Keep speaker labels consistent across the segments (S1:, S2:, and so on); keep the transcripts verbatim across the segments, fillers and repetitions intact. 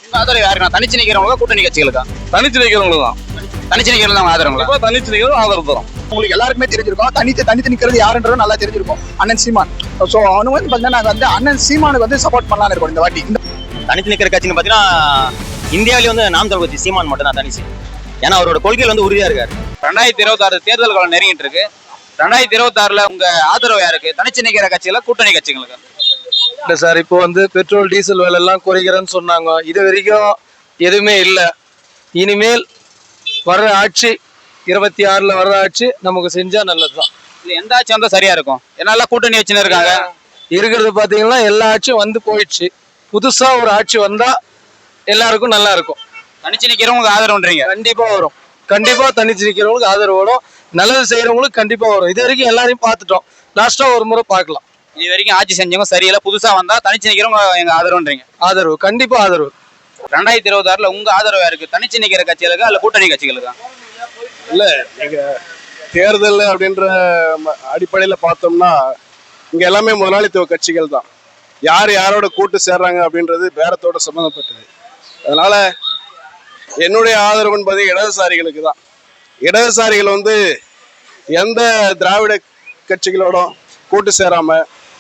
S1: ஆதரவு யாருக்கா? தனிச்சு நிக்கிறவங்க கூட்டணி கட்சிகளுக்கா?
S2: தனிச்சு நிக்கிறவங்களுக்கு தான்.
S1: தனிச்சு நிக்கிறது தான் ஆதரவுங்களா?
S2: இப்போ தனிச்சு நிக்கிறது ஆதரவு தரும்.
S3: உங்களுக்கு எல்லாருக்குமே தெரிஞ்சிருக்கும், தனித்து தனித்து நிக்கிறது யாருன்றது நல்லா தெரிஞ்சிருக்கும். அண்ணன் சீமான். ஸோ அவனு வந்து பார்த்தீங்கன்னா நாங்கள் வந்து அண்ணன் சீமானுக்கு வந்து சப்போர்ட் பண்ணலாம்னு இருக்கோம் இந்த வாட்டி.
S1: தனித்து நிக்கிற கட்சின்னு பார்த்தீங்கன்னா இந்தியாவிலேயே வந்து நாம் தமிழ் கட்சி சீமான் மட்டும் தான் தனிச்சு. ஏன்னா அவரோட கொள்கையில் வந்து உறுதியா இருக்காரு. ரெண்டாயிரத்தி இருபத்தி ஆறு தேர்தல் காலம் நெருங்கிட்டு இருக்கு. ரெண்டாயிரத்தி இருபத்தி ஆறுல உங்க ஆதரவு யாருக்கு? தனிச்சு நிக்கிற கட்சிகளா கூட்டணி கட்சிகளுக்கு?
S2: இல்லை சார், இப்போ வந்து பெட்ரோல் டீசல் விலை எல்லாம் குறைக்கிறேன்னு சொன்னாங்க. இது வரைக்கும் எதுவுமே இல்லை. இனிமேல் வர்ற ஆட்சி இருபத்தி ஆறுல வர்ற ஆட்சி நமக்கு செஞ்சா நல்லதுதான்.
S1: இல்லை எந்த ஆட்சி வந்தா சரியா இருக்கும்? என்னால கூட்டணி வச்சுன்னு இருக்காங்க.
S2: இருக்கிறது பாத்தீங்கன்னா எல்லா ஆட்சியும் வந்து போயிடுச்சு. புதுசா ஒரு ஆட்சி வந்தா எல்லாருக்கும் நல்லா இருக்கும்.
S1: தனிச்சு நிக்கிறவங்களுக்கு ஆதரவுன்றீங்க?
S2: கண்டிப்பா வரும். கண்டிப்பா தனிச்சு நிக்கிறவங்களுக்கு ஆதரவு வரும். நல்லது செய்யறவங்களுக்கு கண்டிப்பா வரும். இது வரைக்கும் எல்லாரையும் பார்த்துட்டோம். லாஸ்டா ஒரு முறை பார்க்கலாம்.
S1: இது வரைக்கும் ஆட்சி செஞ்சவங்க சரியில்லை, புதுசா வந்தா தனிச்சு நிக்கிறவங்க எங்க ஆதரவுன்றீங்க?
S2: ஆதரவு கண்டிப்பா ஆதரவு.
S1: ரெண்டாயிரத்தி இருபத்தி ஆறுல உங்க ஆதரவு யாருக்கு? தனிச்சு நிக்கிற கட்சிகளுக்கா இல்ல கூட்டணி கட்சிகளுக்கா?
S4: இல்ல, நீங்க தேர்தல் அப்படின்ற அடிப்படையில பார்த்தோம்னா இங்க எல்லாமே முதலாளித்துவ கட்சிகள் தான். யார் யாரோட கூட்டு சேர்றாங்க அப்படின்றது பேரத்தோட சம்மந்தப்பட்டது. அதனால என்னுடைய ஆதரவுன்னு பார்த்தீங்கன்னா இடதுசாரிகளுக்கு தான். இடதுசாரிகள் வந்து எந்த திராவிட கட்சிகளோட கூட்டு சேராம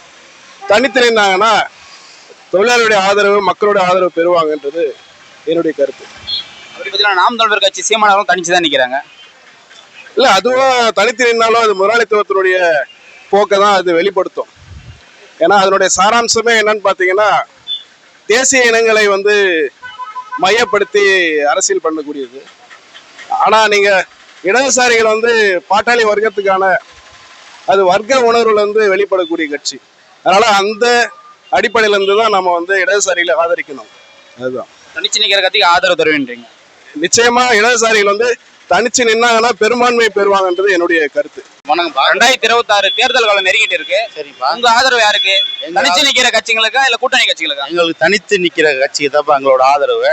S4: தனித்து நின்னாங்கன்னா தொழிலாளருடைய ஆதரவு, மக்களுடைய ஆதரவு பெறுவாங்கன்றது என்னுடைய கருத்து.
S1: அப்படி பார்த்தீங்கன்னா நாம் தமிழர் கட்சி சீமானவரும் தனிச்சு தான் நிக்கிறாங்க.
S4: இல்ல, அதுவும் தனித்து நின்னாலும் அது முதலாளித்துவத்தினுடைய போக்கை தான் அது வெளிப்படுத்தும். ஏன்னா அதனுடைய சாராம்சமே என்னன்னு பார்த்தீங்கன்னா தேசிய இனங்களை வந்து மையப்படுத்தி அரசியல் பண்ணக்கூடியது. ஆனா நீங்க இடதுசாரிகள் வந்து பாட்டாளி வர்க்கத்துக்கான அது வர்க்க உணர்வுல இருந்து வெளிப்படக்கூடிய கட்சி. அதனால அந்த அடிப்படையில இருந்து தான் நம்ம வந்து இடதுசாரிகளை ஆதரிக்கணும். அதுதான்
S1: தனிச்சு நிக்கிற கட்சிக்கு ஆதரவு தருவேன்றீங்க?
S4: நிச்சயமா இடதுசாரிகள் வந்து தனிச்சு நின்னாங்கன்னா பெரும்பான்மை பெறுவாங்கன்றது என்னுடைய கருத்து.
S1: வணக்கம். ரெண்டாயிரத்தி இருபத்தி ஆறு தேர்தல் காலம் நெருங்கிட்டு இருக்கு. சரிப்பா, உங்க ஆதரவு யாருக்கு? தனிச்சு நிக்கிற கட்சிகளுக்கா இல்ல கூட்டணி கட்சிகளுக்கா?
S5: எங்களுக்கு தனித்து நிக்கிற கட்சிக்கு தான் எங்களோட ஆதரவு.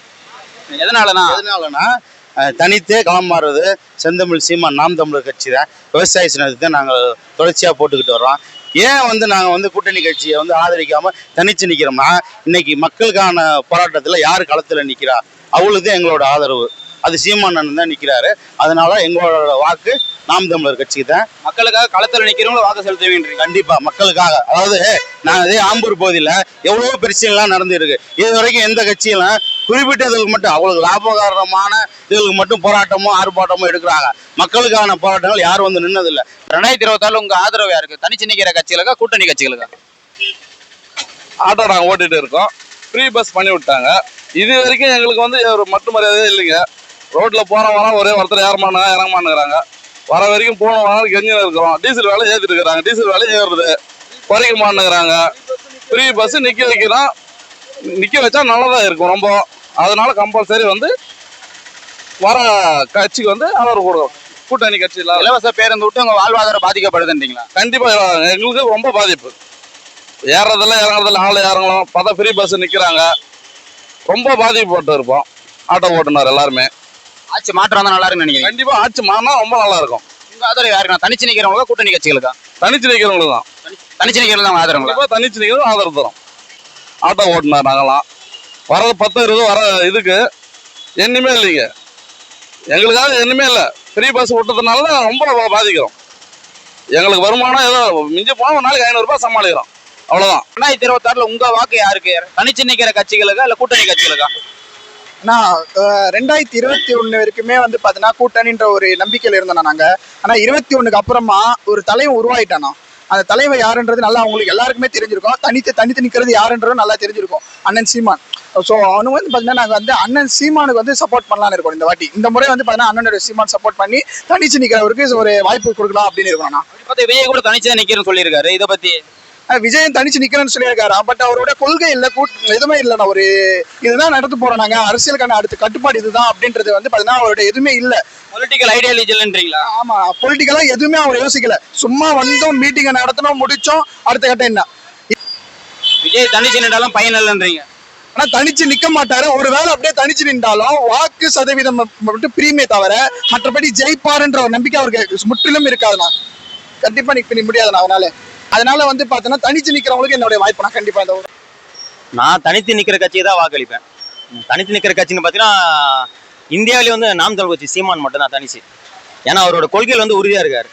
S1: எதனாலனா
S5: எதனாலனா தனித்தே களம் மாறுறது செந்தமிழ் சீமான் நாம் தமிழர் கட்சி தான். விவசாய சின்னத்தை தான் நாங்கள் தொடர்ச்சியாக போட்டுக்கிட்டு வர்றோம். ஏன் வந்து நாங்கள் வந்து கூட்டணி கட்சியை வந்து ஆதரிக்காம தனிச்சு நிற்கிறோம்னா, இன்னைக்கு மக்களுக்கான போராட்டத்தில் யார் களத்தில் நிற்கிறா அவங்களுக்கு தான் எங்களோட ஆதரவு. அது சீமானன் தான் நிற்கிறாரு. அதனால எங்களோட வாக்கு நாம் தமிழர் கட்சிக்கு தான்.
S1: மக்களுக்காக களத்தில் நிற்கிறவங்களும் வாக்கு செலுத்துவீங்க?
S5: கண்டிப்பா மக்களுக்காக. அதாவது நாங்கள் அதே ஆம்பூர் பகுதியில் எவ்வளவோ பிரச்சனைலாம் நடந்துருக்கு. இது வரைக்கும் எந்த கட்சியெல்லாம் குறிப்பிட்டதுக்கு மட்டும் அவங்களுக்கு லாபகரமான இதுகளுக்கு மட்டும் போராட்டமோ ஆர்ப்பாட்டமோ எடுக்கிறாங்க. மக்களுக்கான போராட்டங்கள் யாரும் வந்து நின்னதில்லை.
S1: ரெண்டாயிரத்தி இருபத்தி ஆறுல உங்க ஆதரவு யாருக்கு? தனிச்சு நிக்கிற கட்சிகளுக்கா கூட்டணி கட்சிகளுக்கா?
S2: ஆட்டோ நாங்கள் ஓட்டிட்டு இருக்கோம். ஃப்ரீ பஸ் பண்ணி விட்டாங்க. இது வரைக்கும் எங்களுக்கு வந்து ஒரு மட்டு மரியாதையே இல்லைங்க. ரோட்ல போற வரோம், ஒரே ஒருத்தர் ஏறமானா இறங்கமானுங்கிறாங்க. வர வரைக்கும் போன வாரம் கெஞ்சின்னு இருக்கிறோம். டீசல் வேலை ஏற்றிட்டு இருக்கிறாங்க. டீசல் வேலை ஏறுறது குறைக்க மாட்டேங்கிறாங்க. ஃப்ரீ பஸ் நிற்க வைக்கிறோம். நிற்க வச்சா நல்லதாக இருக்கும் ரொம்ப. அதனால கம்பல்சரி வந்து வர கட்சிக்கு வந்து ஆதரவு கொடுக்கும். கூட்டணி கட்சி இல்லாத
S1: இலவச பேருந்து விட்டு உங்க வாழ்வாதாரம் பாதிக்கப்படுதுன்றீங்களா?
S2: கண்டிப்பா எங்களுக்கு ரொம்ப பாதிப்பு. ஏறதில்ல இறங்குறதில்ல, ஆள் இறங்கலாம். பார்த்தா ஃப்ரீ பஸ் நிற்கிறாங்க. ரொம்ப பாதிக்கப்பட்டு இருப்போம் ஆட்டோ ஓட்டுனர் எல்லாருமே.
S1: ஆட்சி மாற்றம் வந்தா நல்லா இருக்குன்னு நினைக்கிறேன்.
S2: கண்டிப்பா ஆட்சி மாறினா ரொம்ப நல்லா இருக்கும்.
S1: உங்க ஆதரவு யாருக்கா? தனிச்சு நிக்கிறவங்களா கூட்டணி கட்சிகளுக்கா?
S2: தனிச்சு நிற்கிறவங்களுக்கு தான்.
S1: தனிச்சு நிக்கிறது தான் ஆதரவுங்களா?
S2: கண்டிப்பா தனிச்சு நிற்கிறது ஆதரவு தரும். ஆட்டோ ஓட்டுனர் நாங்களாம் வரது பத்து இருபது வர இதுக்கு எண்ணுமே இல்லைங்க. எங்களுக்காக எண்ணுமே இல்லை. ஃப்ரீ பஸ் விட்டதுனால ரொம்ப பாதிக்கிறோம். எங்களுக்கு வருமானம் ஏதோ மிஞ்சி போனால் ஒரு நாளைக்கு ஐநூறு ரூபாய் சமாளிக்கிறோம். அவ்வளவுதான்.
S1: ரெண்டாயிரத்தி இருபத்தி ஆறுல உங்க வாக்கு யாருக்கு? தனிச்சு நிக்கிற கட்சிகளுக்கா இல்ல கூட்டணி கட்சிகளுக்கா?
S3: நான் ரெண்டாயிரத்தி இருபத்தி ஒண்ணு வரைக்குமே வந்து பார்த்தீங்கன்னா கூட்டணின்ற ஒரு நம்பிக்கையில் இருந்தோம் நாங்க. ஆனா இருபத்தி ஒண்ணுக்கு அப்புறமா ஒரு தலைவன் உருவாயிட்டானா. அந்த தலைவர் யாருன்றது நல்லா அவங்களுக்கு எல்லாருக்குமே தெரிஞ்சிருக்கும். தனித்து தனித்து நிற்கிறது யாருன்றதும் நல்லா தெரிஞ்சிருக்கும். அண்ணன் சீமான். ஸோ அவனு வந்து பார்த்தீங்கன்னா நாங்கள் வந்து அண்ணன் சீமானுக்கு வந்து சப்போர்ட் பண்ணலான்னு இருக்கோம் இந்த வாட்டி. இந்த முறை வந்து பார்த்தீங்கன்னா அண்ணனோட சீமான் சப்போர்ட் பண்ணி தனிச்சு நிற்கிறவருக்கு ஒரு வாய்ப்பு கொடுக்கலாம் அப்படின்னு இருக்கணும். நான்
S1: விஜய் கூட தனிச்சு தான் நிக்கிறேன்னு சொல்லியிருக்காரு. இதை பத்தி
S3: விஜயன் தனிச்சு நிக்கிறேன்னு சொல்லியிருக்காரு. பட் அவரோட கொள்கை இல்லை, கூட் எதுவுமே இல்லைண்ணா. ஒரு இதுதான் நடத்து போறோம் நாங்க, அரசியலுக்கான அடுத்த கட்டுப்பாடு இதுதான் அப்படின்றது வந்து பார்த்தீங்கன்னா அவரோட எதுவுமே இல்லை.
S1: பொலிட்டிக்கல் ஐடியாலஜி இல்லைன்றீங்களா?
S3: ஆமா, பொலிட்டிக்கலா எதுவுமே அவர் யோசிக்கல. சும்மா வந்தோம், மீட்டிங்கை நடத்தினோம், முடிச்சோம், அடுத்த கட்டம் என்ன.
S1: விஜய் தனிச்சு நின்றாலும் பயன் இல்லைன்றீங்க?
S3: ஆனா தனிச்சு நிக்க மாட்டாரு. ஒருவேளை அப்படியே தனிச்சு நின்றாலும் வாக்கு சதவீதம் மட்டும் பிரியுமே தவிர மற்றபடி ஜெயிப்பாருன்ற ஒரு நம்பிக்கை அவருக்கு முற்றிலும் இருக்காதுண்ணா. கண்டிப்பா நிக்க முடியாதுண்ணா அவனால. அதனால வந்து பார்த்தோன்னா தனிச்சு நிக்கிறவங்களுக்கு என்னுடைய வாய்ப்பு நான் கண்டிப்பா இந்த
S1: நான் தனித்து நிக்கிற கட்சியை தான் வாக்களிப்பேன். தனித்து நிற்கிற கட்சின்னு பார்த்தீங்கன்னா இந்தியாவிலே வந்து நாம் தமிழர் கட்சி சீமான் மட்டும் தான் தனிச்சு. ஏன்னா அவரோட கொள்கையில் வந்து உறுதியா இருக்காரு.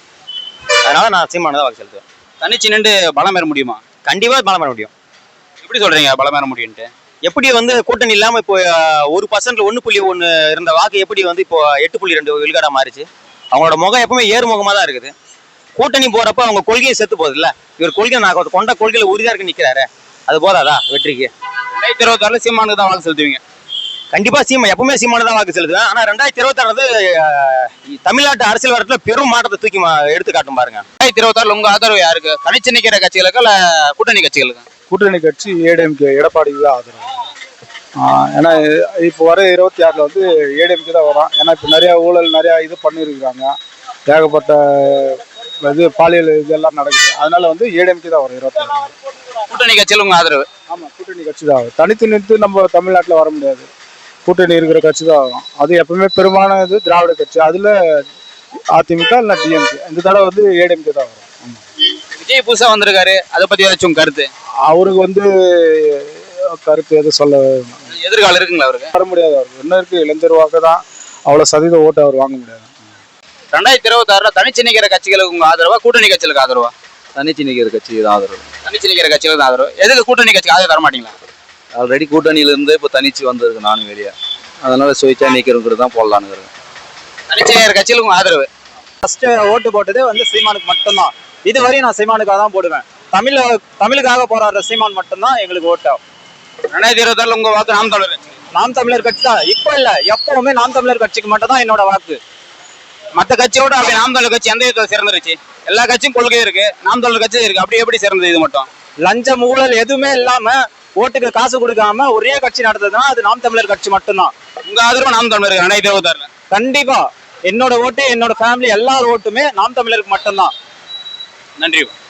S1: அதனால நான் சீமானை தான் வாக்கு செலுத்துவேன்.
S6: தனிச்சு நின்று பலம் பெற முடியுமா?
S1: கண்டிப்பா பலம் பெற முடியும்.
S6: எப்படி சொல்றீங்க பலம் பெற முடியும்ட்டு?
S1: எப்படி வந்து கூட்டணி இல்லாம இப்போ ஒரு பர்சன்ட்ல ஒண்ணு புள்ளி ஒண்ணு இருந்த வாக்கு எப்படி வந்து இப்போ எட்டு புள்ளி ரெண்டு விழுக்காடா மாறிச்சு? அவங்களோட முகம் எப்பவுமே ஏறுமுகமா தான் இருக்குது. கூட்டணி போறப்ப அவங்க கொள்கையை செத்து போகுது இல்ல. இவர் கொள்கை நான் கொண்ட கொள்கையில உறுதியா இருக்கு நிக்கிறாரு, அது போதாதா வெற்றிக்கு?
S6: ரெண்டாயிரத்தி இருபத்தி ஆறுல சீமானுக்கு தான் வாக்கு செலுத்துவீங்க?
S1: கண்டிப்பா சீமா எப்பவுமே சீமானு தான் வாக்கு செலுத்துவேன். ஆனா ரெண்டாயிரத்தி இருபத்தி ஆறு வந்து தமிழ்நாட்டு அரசியல் வரத்துல பெரும் மாற்றத்தை தூக்கி எடுத்து காட்டும் பாருங்க.
S6: ரெண்டாயிரத்தி இருபத்தி ஆறுல உங்க ஆதரவு யாருக்கு? தனிச்சு நிக்கிற கட்சிகளுக்கு இல்ல கூட்டணி கட்சிகளுக்கு?
S7: கூட்டணி கட்சி ஏடிஎம்கே எடப்பாடிக்கு தான் ஆதரவு. ஏன்னா இப்போ வர இருபத்தி ஆறில் வந்து ஏடிஎம்கே தான் வரும். ஏன்னா இப்போ நிறையா ஊழல் நிறையா இது பண்ணியிருக்கிறாங்க, ஏகப்பட்ட இது பாலியல் இதெல்லாம் நடக்குது. அதனால வந்து ஏடிஎம்கே தான் வரும் இருபத்தி ஆறு.
S6: கூட்டணி கட்சியில் உங்க ஆதரவு?
S7: ஆமாம், கூட்டணி கட்சி தான் ஆகும். தனித்து நிறுத்து நம்ம தமிழ்நாட்டில் வர முடியாது, கூட்டணி இருக்கிற கட்சி தான் ஆகும். அது எப்பவுமே பெரும்பாலான இது திராவிட கட்சி, அதில் அதிமுக இல்லை டிஎம்கே. இந்த தடவை வந்து ஏடிஎம்கே தான் வரும். ஆமாம்.
S6: விஜய் புதுசா வந்திருக்காரு, அதை பத்தி ஏதாச்சும் கருத்து?
S7: அவருக்கு வந்து கருத்து எதுவும் சொல்ல
S6: எதிர்காலம் இருக்குங்களா அவருக்கு?
S7: வர முடியாது. அவருக்கு என்ன இருக்கு, இளைஞர் வாக்கு தான், அவ்வளோ சதவீத ஓட்டு அவர் வாங்க முடியாது.
S6: ரெண்டாயிரத்தி இருபத்தி ஆறுல தனிச்சு நிக்கிற கட்சிகளுக்கு உங்க ஆதரவா கூட்டணி கட்சிகளுக்கு ஆதரவா?
S8: தனிச்சு நிற்கிற கட்சிக்கு தான் ஆதரவு.
S6: தனிச்சு நிக்கிற கட்சிகளுக்கு தான் ஆதரவு. எதுக்கு கூட்டணி கட்சிக்கு ஆதரவு தர மாட்டீங்களா?
S8: ஆல்ரெடி கூட்டணியிலேருந்து இப்போ தனிச்சு வந்திருக்கு நானும் வெளியே, அதனால சுயேட்சா நிற்கிறவங்கிறது தான் போடலான்னு.
S6: தனிச்சு நிக்கிற கட்சிகளுக்கு உங்க ஆதரவு?
S9: ஃபர்ஸ்ட் ஓட்டு போட்டது வந்து சீமானுக்கு மட்டும்தான். இதுவரையும் நான் சீமானுக்காக தான் போடுவேன். தமிழ் தமிழுக்காக போராடுற சீமான் மட்டும்தான் எங்களுக்கு ஓட்டு.
S6: ரெண்டாயிரத்தி இருபத்தி ஆறுல உங்க வாக்கு நாம் தமிழர் கட்சி?
S9: நாம் தமிழர் கட்சி தான். இப்போ இல்ல, எப்பவுமே நாம் தமிழர் கட்சிக்கு மட்டும் தான் என்னோட வாக்கு.
S6: மற்ற கட்சியோட அப்படி நாம் தமிழர் கட்சி எந்த விதத்தில் சிறந்துருச்சு? எல்லா கட்சியும் கொள்கை இருக்கு, நாம் தமிழர் கட்சி இருக்கு, அப்படி எப்படி சிறந்தது இது மட்டும்?
S9: லஞ்சம் ஊழல் எதுவுமே இல்லாம ஓட்டுக்கு காசு கொடுக்காம ஒரே கட்சி நடந்ததுன்னா அது நாம் தமிழர் கட்சி மட்டும்தான்.
S6: உங்க ஆதரவு நாம் தமிழர் ரெண்டாயிரத்தி இருபத்தி ஆறுல?
S9: கண்டிப்பா என்னோட ஓட்டு, என்னோட ஃபேமிலி எல்லார் ஓட்டுமே நாம் தமிழருக்கு மட்டும்தான்.
S6: நன்றி.